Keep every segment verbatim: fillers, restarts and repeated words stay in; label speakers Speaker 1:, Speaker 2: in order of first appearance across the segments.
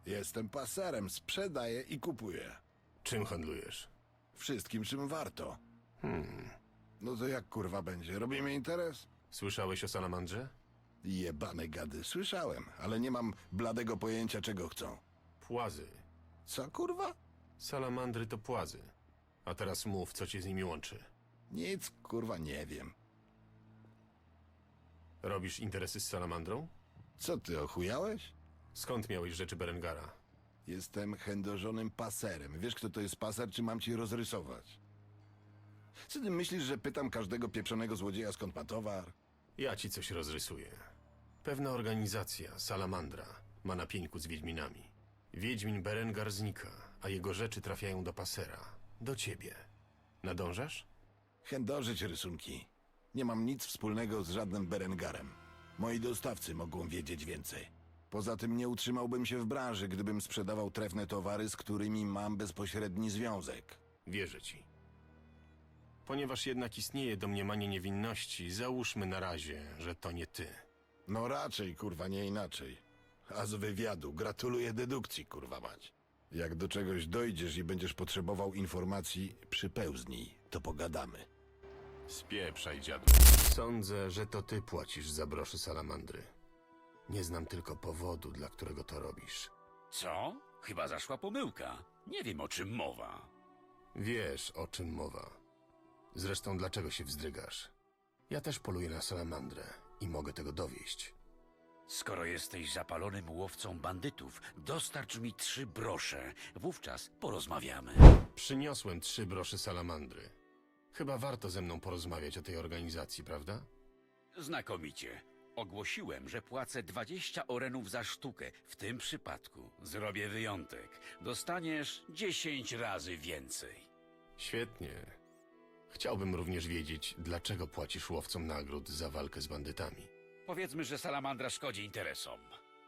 Speaker 1: Jestem paserem, sprzedaję i kupuję.
Speaker 2: Czym handlujesz?
Speaker 1: Wszystkim, czym warto.
Speaker 2: Hmm.
Speaker 1: No to jak kurwa będzie? Robimy interes?
Speaker 2: Słyszałeś o salamandrze?
Speaker 1: Jebane gady, słyszałem, ale nie mam bladego pojęcia, czego chcą.
Speaker 2: Płazy.
Speaker 1: Co kurwa?
Speaker 2: Salamandry to płazy. A teraz mów, co cię z nimi łączy.
Speaker 1: Nic kurwa nie wiem.
Speaker 2: Robisz interesy z salamandrą?
Speaker 1: Co ty, ochujałeś?
Speaker 2: Skąd miałeś rzeczy Berengara?
Speaker 1: Jestem chędożonym paserem. Wiesz, kto to jest paser, czy mam ci rozrysować? Co ty myślisz, że pytam każdego pieprzonego złodzieja, skąd ma towar?
Speaker 2: Ja ci coś rozrysuję. Pewna organizacja, Salamandra, ma na pieńku z Wiedźminami. Wiedźmin Berengar znika, a jego rzeczy trafiają do pasera. Do ciebie. Nadążasz?
Speaker 1: Chędożyć rysunki. Nie mam nic wspólnego z żadnym Berengarem. Moi dostawcy mogą wiedzieć więcej. Poza tym nie utrzymałbym się w branży, gdybym sprzedawał trefne towary, z którymi mam bezpośredni związek.
Speaker 2: Wierzę ci. Ponieważ jednak istnieje domniemanie niewinności, załóżmy na razie, że to nie ty.
Speaker 1: No raczej, kurwa, nie inaczej. A z wywiadu gratuluję dedukcji, kurwa mać. Jak do czegoś dojdziesz i będziesz potrzebował informacji, przypełznij, to pogadamy.
Speaker 2: Spieprzaj, dziadu. Sądzę, że to ty płacisz za broszy salamandry. Nie znam tylko powodu, dla którego to robisz.
Speaker 3: Co? Chyba zaszła pomyłka. Nie wiem, o czym mowa.
Speaker 2: Wiesz, o czym mowa. Zresztą dlaczego się wzdrygasz? Ja też poluję na salamandrę i mogę tego dowieść.
Speaker 3: Skoro jesteś zapalonym łowcą bandytów, dostarcz mi trzy brosze. Wówczas porozmawiamy.
Speaker 2: Przyniosłem trzy brosze salamandry. Chyba warto ze mną porozmawiać o tej organizacji, prawda?
Speaker 3: Znakomicie. Ogłosiłem, że płacę dwadzieścia orenów za sztukę. W tym przypadku zrobię wyjątek. Dostaniesz dziesięć razy więcej.
Speaker 2: Świetnie. Chciałbym również wiedzieć, dlaczego płacisz łowcom nagród za walkę z bandytami.
Speaker 3: Powiedzmy, że salamandra szkodzi interesom.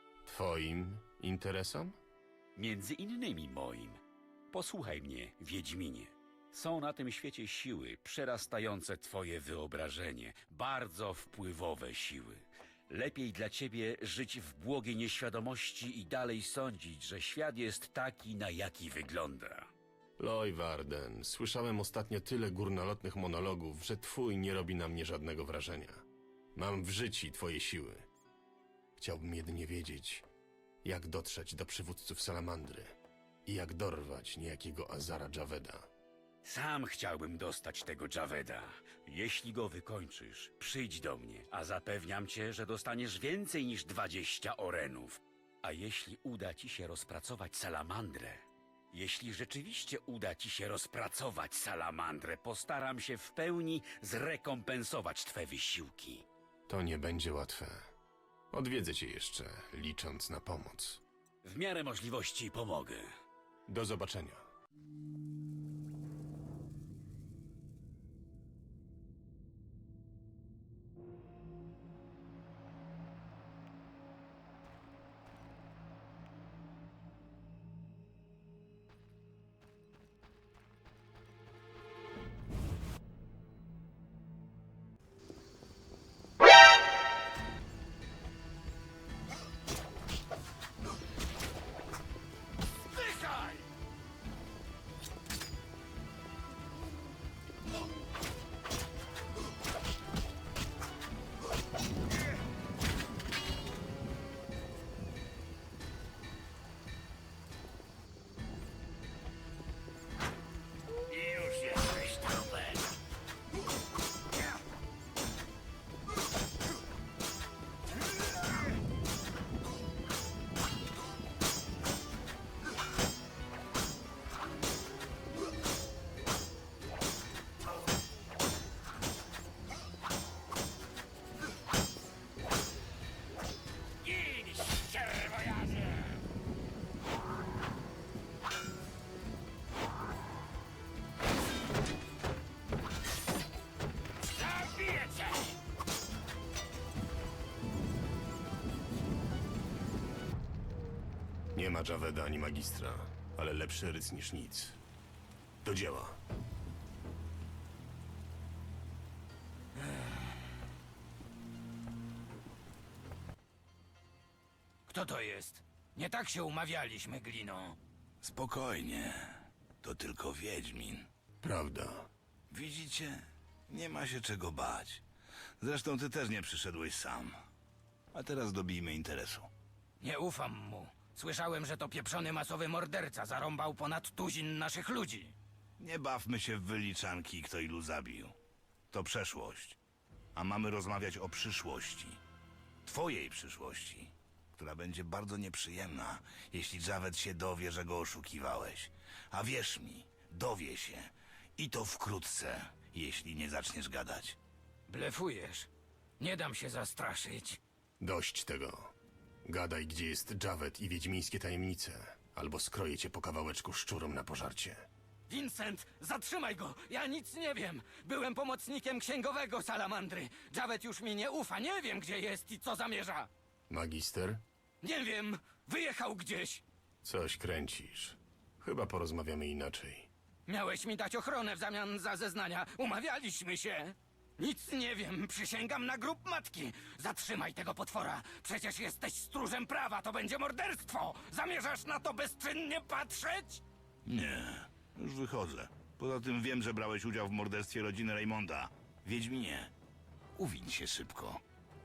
Speaker 2: Twoim interesom?
Speaker 3: Między innymi moim. Posłuchaj mnie, Wiedźminie. Są na tym świecie siły przerastające twoje wyobrażenie. Bardzo wpływowe siły. Lepiej dla ciebie żyć w błogiej nieświadomości i dalej sądzić, że świat jest taki, na jaki wygląda.
Speaker 2: Loy Warden, słyszałem ostatnio tyle górnolotnych monologów, że twój nie robi na mnie żadnego wrażenia. Mam w życiu twoje siły. Chciałbym jedynie wiedzieć, jak dotrzeć do przywódców Salamandry i jak dorwać niejakiego Azara Javeda.
Speaker 3: Sam chciałbym dostać tego Javeda. Jeśli go wykończysz, przyjdź do mnie, a zapewniam cię, że dostaniesz więcej niż dwadzieścia orenów. A jeśli uda ci się rozpracować salamandrę, jeśli rzeczywiście uda ci się rozpracować salamandrę, postaram się w pełni zrekompensować twe wysiłki.
Speaker 2: To nie będzie łatwe. Odwiedzę cię jeszcze, licząc na pomoc.
Speaker 3: W miarę możliwości pomogę.
Speaker 2: Do zobaczenia.
Speaker 3: Już jesteś trupem. Gin, ścierwojazie! Zabiję cię!
Speaker 2: Nie ma Javeda ani magistra, ale lepszy ryc niż nic. Do dzieła.
Speaker 3: Kto to jest?
Speaker 4: Nie tak się umawialiśmy, Glino.
Speaker 5: Spokojnie. To tylko Wiedźmin.
Speaker 2: Prawda.
Speaker 5: Widzicie? Nie ma się czego bać. Zresztą ty też nie przyszedłeś sam. A teraz dobijmy interesu.
Speaker 4: Nie ufam mu. Słyszałem, że to pieprzony masowy morderca zarąbał ponad tuzin naszych ludzi.
Speaker 5: Nie bawmy się w wyliczanki, kto ilu zabił. To przeszłość. A mamy rozmawiać o przyszłości. Twojej przyszłości, która będzie bardzo nieprzyjemna, jeśli Javed się dowie, że go oszukiwałeś. A wierz mi, dowie się. I to wkrótce, jeśli nie zaczniesz gadać.
Speaker 4: Blefujesz. Nie dam się zastraszyć.
Speaker 2: Dość tego. Gadaj, gdzie jest Javed i wiedźmińskie tajemnice, albo skroję cię po kawałeczku szczurom na pożarcie.
Speaker 4: Vincent, zatrzymaj go! Ja nic nie wiem! Byłem pomocnikiem księgowego Salamandry. Javed już mi nie ufa, nie wiem gdzie jest i co zamierza.
Speaker 2: Magister?
Speaker 4: Nie wiem, wyjechał gdzieś.
Speaker 2: Coś kręcisz. Chyba porozmawiamy inaczej.
Speaker 4: Miałeś mi dać ochronę w zamian za zeznania. Umawialiśmy się. Nic nie wiem, przysięgam na grób matki. Zatrzymaj tego potwora. Przecież jesteś stróżem prawa, to będzie morderstwo. Zamierzasz na to bezczynnie patrzeć?
Speaker 5: Nie, już wychodzę. Poza tym wiem, że brałeś udział w morderstwie rodziny Raymonda. Wiedźminie, uwiń się szybko.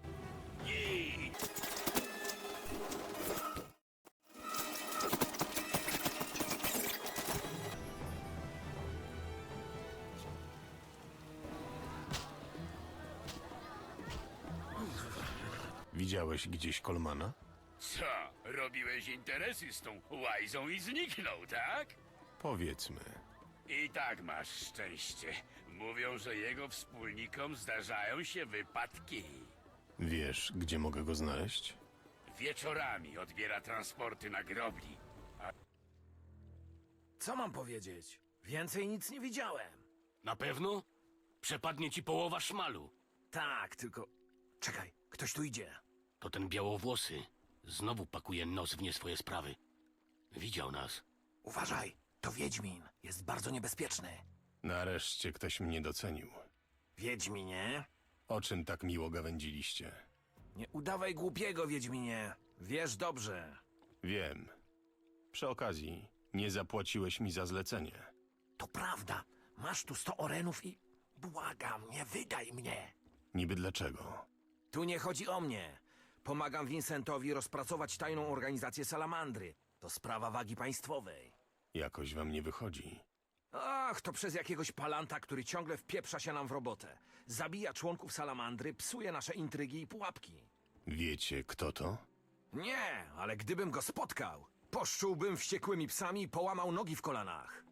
Speaker 2: Widziałeś gdzieś Kolmana?
Speaker 3: Co? Robiłeś interesy z tą łajzą i zniknął, tak?
Speaker 2: Powiedzmy.
Speaker 3: I tak masz szczęście. Mówią, że jego wspólnikom zdarzają się wypadki.
Speaker 2: Wiesz, gdzie mogę go znaleźć?
Speaker 3: Wieczorami odbiera transporty na grobli.
Speaker 6: Co mam powiedzieć? Więcej nic nie widziałem.
Speaker 7: Na pewno? Przepadnie ci połowa szmalu.
Speaker 6: Tak, tylko... Czekaj, ktoś tu idzie.
Speaker 7: To ten białowłosy. Znowu pakuje nos w nie swoje sprawy. Widział nas.
Speaker 6: Uważaj, to Wiedźmin. Jest bardzo niebezpieczny.
Speaker 2: Nareszcie ktoś mnie docenił.
Speaker 6: Wiedźminie?
Speaker 2: O czym tak miło gawędziliście?
Speaker 6: Nie udawaj głupiego, Wiedźminie. Wiesz dobrze.
Speaker 2: Wiem. Przy okazji, nie zapłaciłeś mi za zlecenie.
Speaker 6: To prawda. Masz tu sto orenów i... Błagam, nie wydaj mnie.
Speaker 2: Niby dlaczego?
Speaker 6: Tu nie chodzi o mnie. Pomagam Vincentowi rozpracować tajną organizację Salamandry. To sprawa wagi państwowej.
Speaker 2: Jakoś wam nie wychodzi.
Speaker 6: Ach, to przez jakiegoś palanta, który ciągle wpieprza się nam w robotę. Zabija członków Salamandry, psuje nasze intrygi i pułapki.
Speaker 2: Wiecie, kto to?
Speaker 6: Nie, ale gdybym go spotkał, poszczułbym wściekłymi psami i połamał nogi w kolanach.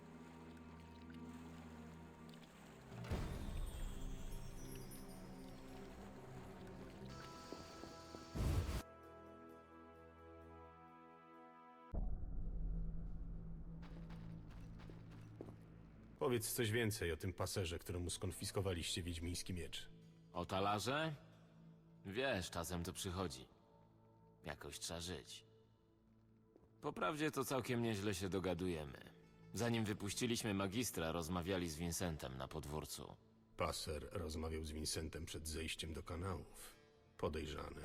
Speaker 2: Powiedz coś więcej o tym paserze, któremu skonfiskowaliście wiedźmiński miecz.
Speaker 8: O talarze? Wiesz, czasem to przychodzi. Jakoś trzeba żyć. Poprawdzie to całkiem nieźle się dogadujemy. Zanim wypuściliśmy magistra, rozmawiali z Vincentem na podwórcu.
Speaker 2: Paser rozmawiał z Vincentem przed zejściem do kanałów. Podejrzany.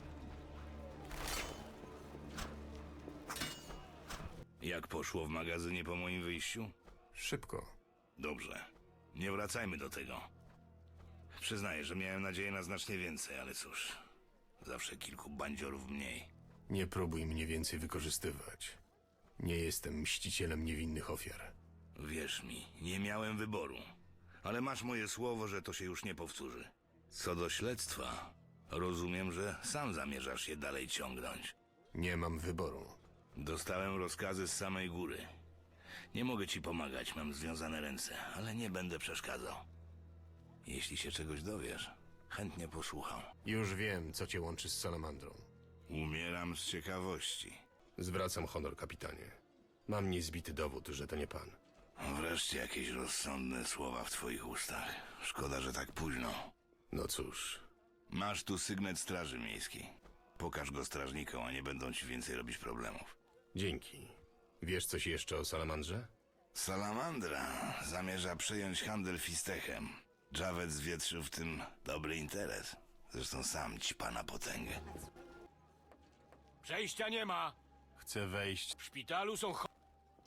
Speaker 5: Jak poszło w magazynie po moim wyjściu?
Speaker 2: Szybko.
Speaker 5: Dobrze. Nie wracajmy do tego. Przyznaję, że miałem nadzieję na znacznie więcej, ale cóż. Zawsze kilku bandziorów mniej.
Speaker 2: Nie próbuj mnie więcej wykorzystywać. Nie jestem mścicielem niewinnych ofiar.
Speaker 5: Wierz mi, nie miałem wyboru. Ale masz moje słowo, że to się już nie powtórzy. Co do śledztwa, rozumiem, że sam zamierzasz je dalej ciągnąć.
Speaker 2: Nie mam wyboru.
Speaker 5: Dostałem rozkazy z samej góry. Nie mogę ci pomagać, mam związane ręce, ale nie będę przeszkadzał. Jeśli się czegoś dowiesz, chętnie posłucham.
Speaker 2: Już wiem, co cię łączy z Salamandrą.
Speaker 5: Umieram z ciekawości.
Speaker 2: Zwracam honor, kapitanie. Mam niezbity dowód, że to nie pan.
Speaker 5: Wreszcie jakieś rozsądne słowa w twoich ustach. Szkoda, że tak późno.
Speaker 2: No cóż,
Speaker 5: Masz tu sygnet Straży Miejskiej. Pokaż go strażnikom, a nie będą ci więcej robić problemów.
Speaker 2: dzięki. Wiesz coś jeszcze o Salamandrze?
Speaker 5: Salamandra zamierza przejąć handel fistechem. Javed zwietrzył w tym dobry interes. Zresztą sam ćpa na potęgę.
Speaker 7: Przejścia nie ma.
Speaker 2: Chcę wejść.
Speaker 7: W szpitalu są cho...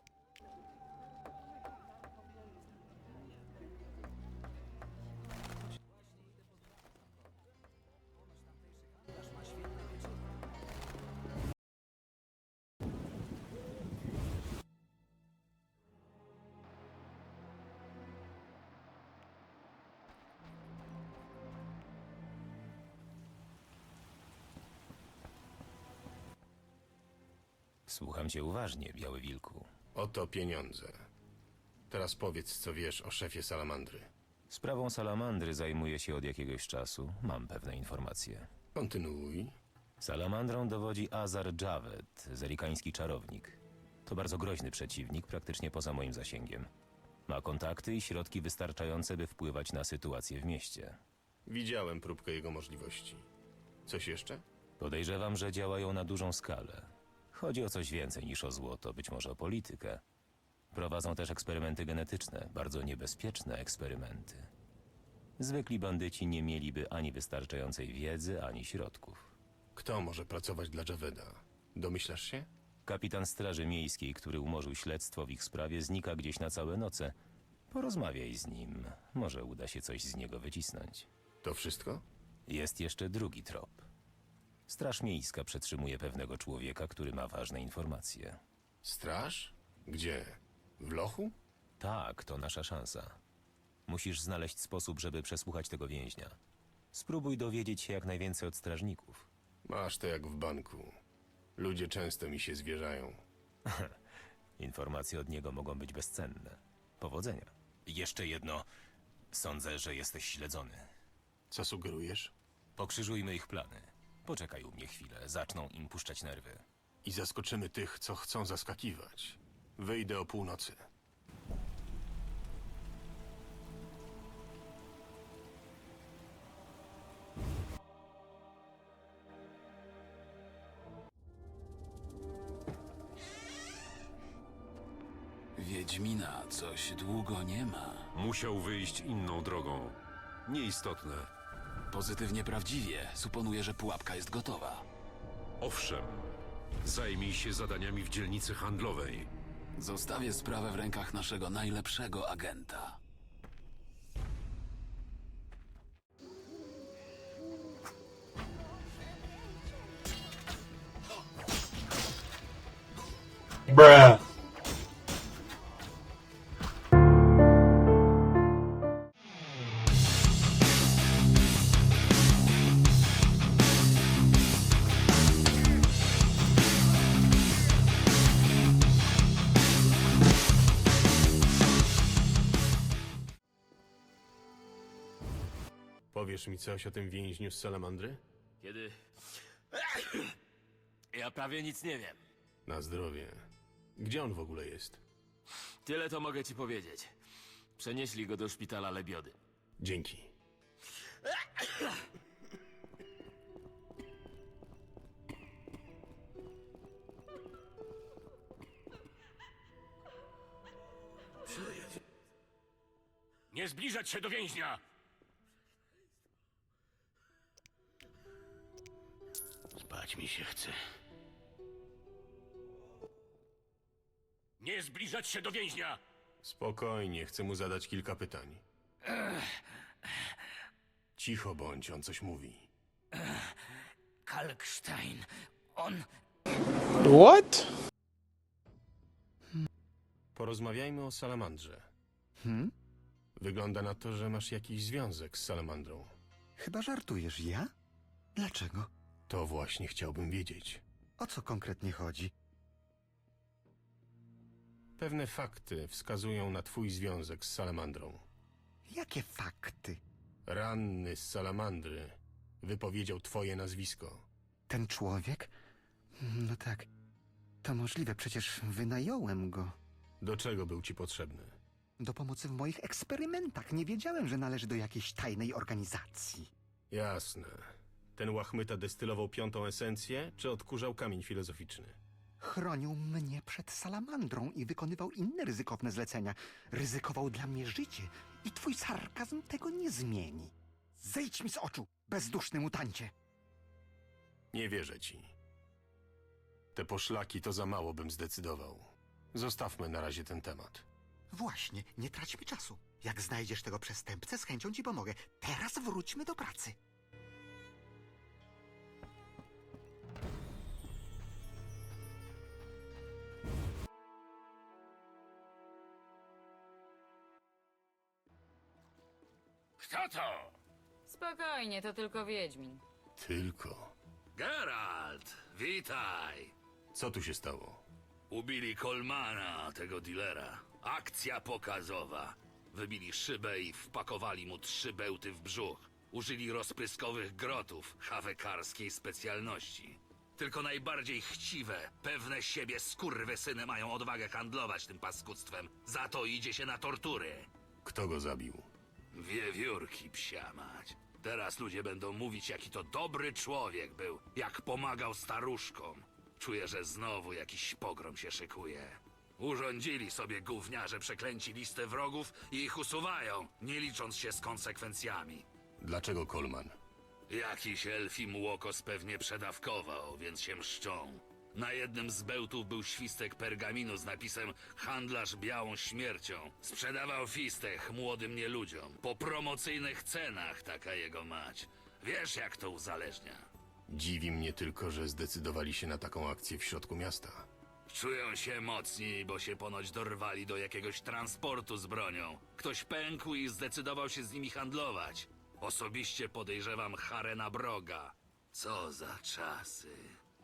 Speaker 9: Słucham cię uważnie, Biały Wilku.
Speaker 2: Oto pieniądze. Teraz powiedz, co wiesz o szefie Salamandry.
Speaker 9: Sprawą salamandry zajmuję się od jakiegoś czasu. Mam pewne informacje.
Speaker 2: Kontynuuj.
Speaker 9: Salamandrą dowodzi Azar Javed, zerikański czarownik. To bardzo groźny przeciwnik, praktycznie poza moim zasięgiem. Ma kontakty i środki wystarczające, by wpływać na sytuację w mieście.
Speaker 2: Widziałem próbkę jego możliwości. Coś jeszcze?
Speaker 9: Podejrzewam, że działają na dużą skalę. Chodzi o coś więcej niż o złoto, być może o politykę. Prowadzą też eksperymenty genetyczne, bardzo niebezpieczne eksperymenty. Zwykli bandyci nie mieliby ani wystarczającej wiedzy, ani środków.
Speaker 2: Kto może pracować dla Javeda? Domyślasz się?
Speaker 9: Kapitan Straży Miejskiej, który umorzył śledztwo w ich sprawie, znika gdzieś na całe noce. Porozmawiaj z nim. Może uda się coś z niego wycisnąć.
Speaker 2: To wszystko?
Speaker 9: Jest jeszcze drugi trop. Straż Miejska przetrzymuje pewnego człowieka, który ma ważne informacje.
Speaker 2: Straż? Gdzie? W lochu?
Speaker 9: Tak, to nasza szansa. Musisz znaleźć sposób, żeby przesłuchać tego więźnia. Spróbuj dowiedzieć się jak najwięcej od strażników.
Speaker 2: Masz to jak w banku. Ludzie często mi się zwierzają.
Speaker 9: Informacje od niego mogą być bezcenne. Powodzenia. Jeszcze jedno. Sądzę, że jesteś śledzony.
Speaker 2: Co sugerujesz?
Speaker 9: Pokrzyżujmy ich plany. Poczekaj u mnie chwilę, zaczną im puszczać nerwy.
Speaker 2: I zaskoczymy tych, co chcą zaskakiwać. Wyjdę o północy.
Speaker 10: Wiedźmina coś długo nie ma.
Speaker 11: Musiał wyjść inną drogą. Nieistotne.
Speaker 10: Pozytywnie prawdziwie. Suponuję, że pułapka jest gotowa.
Speaker 11: Owszem. Zajmij się zadaniami w dzielnicy handlowej.
Speaker 10: Zostawię sprawę w rękach naszego najlepszego agenta.
Speaker 2: Powiesz mi coś o tym więźniu z Salamandry?
Speaker 8: Kiedy... Ja prawie nic nie wiem.
Speaker 2: Na zdrowie. Gdzie on w ogóle jest?
Speaker 8: Tyle to mogę ci powiedzieć. Przenieśli go do szpitala Lebiody.
Speaker 2: Dzięki.
Speaker 7: Nie zbliżać się do więźnia! Spać mi się chce. Nie zbliżać się do więźnia!
Speaker 2: Spokojnie, chcę mu zadać kilka pytań. Cicho bądź, on coś mówi.
Speaker 4: Kalkstein, on...
Speaker 12: What?
Speaker 2: Porozmawiajmy o Salamandrze.
Speaker 12: Hmm?
Speaker 2: Wygląda na to, że masz jakiś związek z Salamandrą.
Speaker 12: Chyba żartujesz, ja? Dlaczego?
Speaker 2: To właśnie chciałbym wiedzieć.
Speaker 12: O co konkretnie chodzi?
Speaker 2: Pewne fakty wskazują na twój związek z Salamandrą.
Speaker 12: Jakie fakty?
Speaker 2: Ranny z Salamandry wypowiedział twoje nazwisko.
Speaker 12: Ten człowiek? No tak. To możliwe, przecież wynająłem go.
Speaker 2: Do czego był ci potrzebny?
Speaker 12: Do pomocy w moich eksperymentach. Nie wiedziałem, że należy do jakiejś tajnej organizacji.
Speaker 2: Jasne. Ten łachmyta destylował piątą esencję, czy odkurzał kamień filozoficzny?
Speaker 12: Chronił mnie przed salamandrą i wykonywał inne ryzykowne zlecenia. Ryzykował dla mnie życie i twój sarkazm tego nie zmieni. Zejdź mi z oczu, bezduszny mutancie!
Speaker 2: Nie wierzę ci. Te poszlaki to za mało bym zdecydował. Zostawmy na razie ten temat.
Speaker 12: Właśnie, nie traćmy czasu. Jak znajdziesz tego przestępcę, z chęcią ci pomogę. Teraz wróćmy do pracy.
Speaker 3: Kto to?
Speaker 13: Spokojnie, to tylko Wiedźmin.
Speaker 2: Tylko.
Speaker 10: Geralt, witaj.
Speaker 2: Co tu się stało?
Speaker 10: Ubili Kolmana, tego dealera. Akcja pokazowa. Wybili szybę i wpakowali mu trzy bełty w brzuch. Użyli rozpryskowych grotów, hawekarskiej specjalności. Tylko najbardziej chciwe, pewne siebie skurwysyny mają odwagę handlować tym paskudztwem. Za to idzie się na tortury.
Speaker 2: Kto go zabił?
Speaker 10: Wiewiórki, psia mać. Teraz ludzie będą mówić, jaki to dobry człowiek był, jak pomagał staruszkom. Czuję, że znowu jakiś pogrom się szykuje. Urządzili sobie gówniarze przeklęci listę wrogów i ich usuwają, nie licząc się z konsekwencjami.
Speaker 2: Dlaczego Kolman?
Speaker 10: Jakiś elfim łokos pewnie przedawkował, więc się mszczą. Na jednym z bełtów był świstek pergaminu z napisem „Handlarz białą śmiercią”. Sprzedawał fistech młodym nieludziom. Po promocyjnych cenach, taka jego mać. Wiesz, jak to uzależnia.
Speaker 2: Dziwi mnie tylko, że zdecydowali się na taką akcję w środku miasta.
Speaker 10: Czują się mocni, bo się ponoć dorwali do jakiegoś transportu z bronią. Ktoś pękł i zdecydował się z nimi handlować. Osobiście podejrzewam Harena Broga. Co za czasy.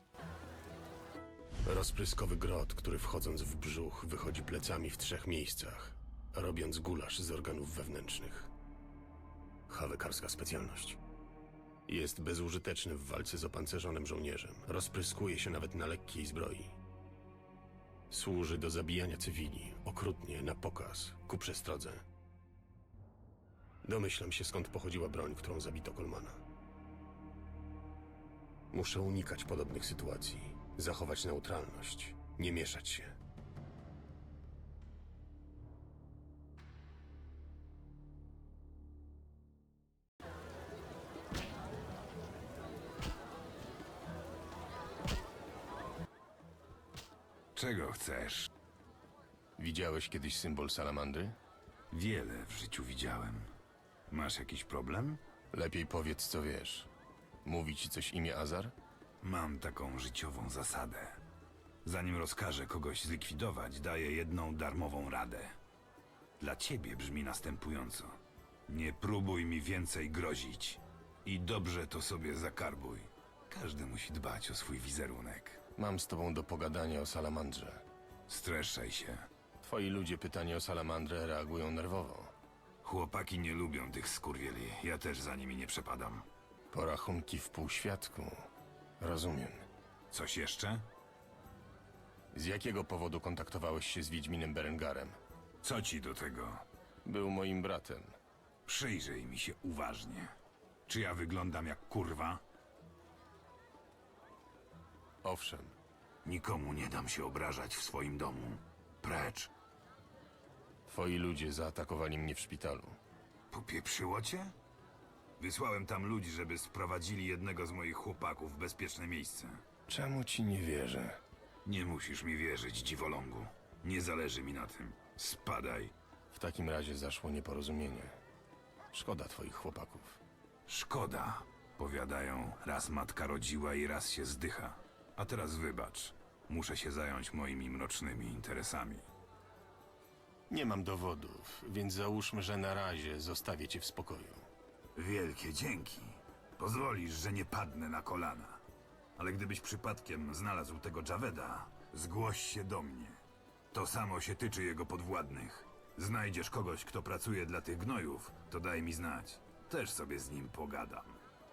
Speaker 2: Rozpryskowy grot, który wchodząc w brzuch wychodzi plecami w trzech miejscach, robiąc gulasz z organów wewnętrznych. Hawekarska specjalność. Jest bezużyteczny w walce z opancerzonym żołnierzem. Rozpryskuje się nawet na lekkiej zbroi. Służy do zabijania cywili, okrutnie, na pokaz, ku przestrodze. Domyślam się, skąd pochodziła broń, którą zabito Kolmana. Muszę unikać podobnych sytuacji. Zachować neutralność, nie mieszać się.
Speaker 5: Czego chcesz?
Speaker 2: Widziałeś kiedyś symbol salamandry?
Speaker 5: Wiele w życiu widziałem. Masz jakiś problem?
Speaker 2: Lepiej powiedz, co wiesz. Mówi ci coś imię Azar?
Speaker 5: Mam taką życiową zasadę. Zanim rozkażę kogoś zlikwidować, daję jedną darmową radę. Dla ciebie brzmi następująco. Nie próbuj mi więcej grozić. I dobrze to sobie zakarbuj. Każdy musi dbać o swój wizerunek.
Speaker 2: Mam z tobą do pogadania o salamandrze.
Speaker 5: Streszczaj się.
Speaker 2: Twoi ludzie pytanie o salamandrę reagują nerwowo.
Speaker 5: Chłopaki nie lubią tych skurwieli. Ja też za nimi nie przepadam.
Speaker 2: Porachunki w półświadku. Rozumiem.
Speaker 5: Coś jeszcze?
Speaker 2: Z jakiego powodu kontaktowałeś się z Wiedźminem Berengarem?
Speaker 5: Co ci do tego?
Speaker 2: Był moim bratem.
Speaker 5: Przyjrzyj mi się uważnie. Czy ja wyglądam jak kurwa?
Speaker 2: Owszem.
Speaker 5: Nikomu nie dam się obrażać w swoim domu. Precz.
Speaker 2: Twoi ludzie zaatakowali mnie w szpitalu.
Speaker 5: Popieprzyło cię? Wysłałem tam ludzi, żeby sprowadzili jednego z moich chłopaków w bezpieczne miejsce.
Speaker 2: Czemu ci nie wierzę?
Speaker 5: Nie musisz mi wierzyć, dziwolągu. Nie zależy mi na tym. Spadaj.
Speaker 2: W takim razie zaszło nieporozumienie. Szkoda twoich chłopaków.
Speaker 5: Szkoda. Powiadają, raz matka rodziła i raz się zdycha. A teraz wybacz. Muszę się zająć moimi mrocznymi interesami.
Speaker 2: Nie mam dowodów, więc załóżmy, że na razie zostawię cię w spokoju.
Speaker 5: Wielkie dzięki. Pozwolisz, że nie padnę na kolana. Ale gdybyś przypadkiem znalazł tego Javeda, zgłoś się do mnie. To samo się tyczy jego podwładnych. Znajdziesz kogoś, kto pracuje dla tych gnojów, to daj mi znać. Też sobie z nim pogadam.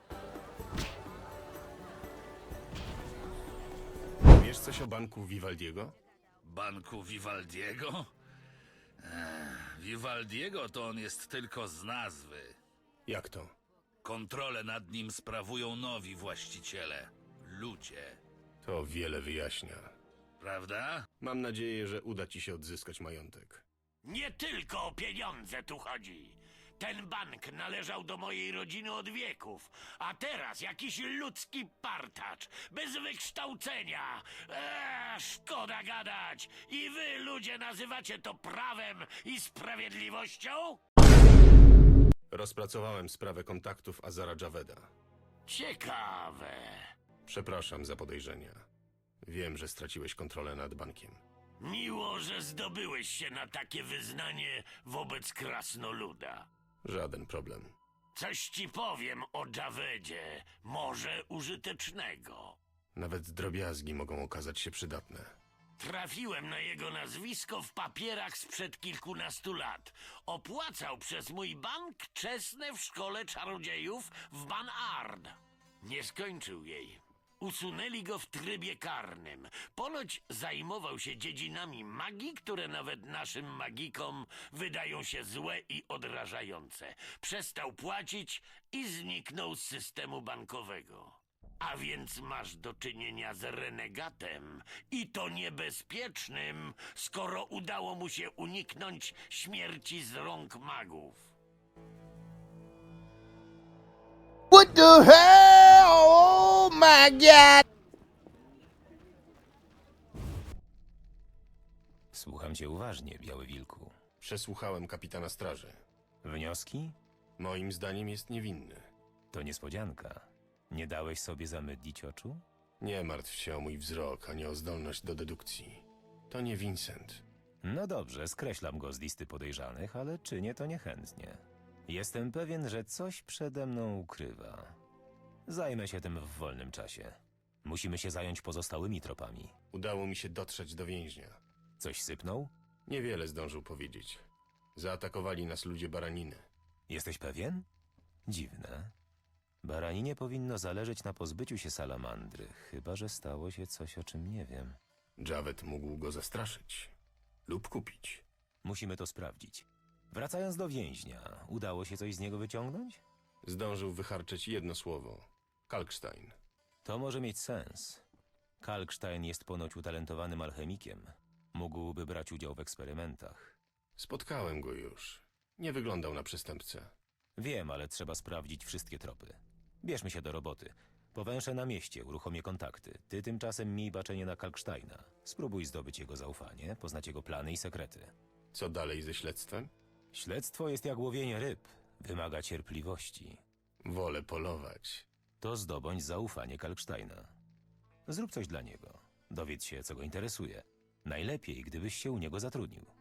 Speaker 2: Wiesz coś o banku Vivaldiego?
Speaker 10: Banku Vivaldiego? Ech, Vivaldiego to on jest tylko z nazwy.
Speaker 2: Jak to?
Speaker 10: Kontrolę nad nim sprawują nowi właściciele. Ludzie.
Speaker 2: To wiele wyjaśnia.
Speaker 10: Prawda?
Speaker 2: Mam nadzieję, że uda ci się odzyskać majątek.
Speaker 7: Nie tylko o pieniądze tu chodzi. Ten bank należał do mojej rodziny od wieków, a teraz jakiś ludzki partacz, bez wykształcenia. Eee, szkoda gadać. I wy, ludzie, nazywacie to prawem i sprawiedliwością?
Speaker 2: Rozpracowałem sprawę kontaktów Azara Javeda.
Speaker 7: Ciekawe.
Speaker 2: Przepraszam za podejrzenia. Wiem, że straciłeś kontrolę nad bankiem.
Speaker 7: Miło, że zdobyłeś się na takie wyznanie wobec krasnoluda.
Speaker 2: Żaden problem.
Speaker 7: Coś ci powiem o Javedzie, może użytecznego.
Speaker 2: Nawet drobiazgi mogą okazać się przydatne.
Speaker 7: Trafiłem na jego nazwisko w papierach sprzed kilkunastu lat. Opłacał przez mój bank czesne w szkole czarodziejów w Banard. Nie skończył jej. Usunęli go w trybie karnym. Ponoć zajmował się dziedzinami magii, które nawet naszym magikom wydają się złe i odrażające. Przestał płacić i zniknął z systemu bankowego. A więc masz do czynienia z renegatem i to niebezpiecznym, skoro udało mu się uniknąć śmierci z rąk magów.
Speaker 14: What the hell? Oh my god!
Speaker 9: Słucham cię uważnie, Biały Wilku.
Speaker 2: Przesłuchałem kapitana straży.
Speaker 9: Wnioski?
Speaker 2: Moim zdaniem jest niewinny.
Speaker 9: To niespodzianka. Nie dałeś sobie zamydlić oczu?
Speaker 2: Nie martw się o mój wzrok, ani o zdolność do dedukcji. To nie Vincent.
Speaker 9: No dobrze, skreślam go z listy podejrzanych, ale czynię to niechętnie. Jestem pewien, że coś przede mną ukrywa. Zajmę się tym w wolnym czasie. Musimy się zająć pozostałymi tropami.
Speaker 2: Udało mi się dotrzeć do więźnia.
Speaker 9: Coś sypnął?
Speaker 2: Niewiele zdążył powiedzieć. Zaatakowali nas ludzie baraniny.
Speaker 9: Jesteś pewien? Dziwne. Baraninie powinno zależeć na pozbyciu się salamandry, chyba że stało się coś, o czym nie wiem.
Speaker 2: Javed mógł go zastraszyć. Lub kupić.
Speaker 9: Musimy to sprawdzić. Wracając do więźnia, udało się coś z niego wyciągnąć?
Speaker 2: Zdążył wycharczyć jedno słowo. Kalkstein.
Speaker 9: To może mieć sens. Kalkstein jest ponoć utalentowanym alchemikiem. Mógłby brać udział w eksperymentach.
Speaker 2: Spotkałem go już. Nie wyglądał na przestępcę.
Speaker 9: Wiem, ale trzeba sprawdzić wszystkie tropy. Bierzmy się do roboty. Powęszę na mieście, uruchomię kontakty. Ty tymczasem miej baczenie na Kalksteina. Spróbuj zdobyć jego zaufanie, poznać jego plany i sekrety.
Speaker 2: Co dalej ze śledztwem?
Speaker 9: Śledztwo jest jak łowienie ryb. Wymaga cierpliwości.
Speaker 2: Wolę polować.
Speaker 9: To zdobądź zaufanie Kalksteina. Zrób coś dla niego. Dowiedz się, co go interesuje. Najlepiej, gdybyś się u niego zatrudnił.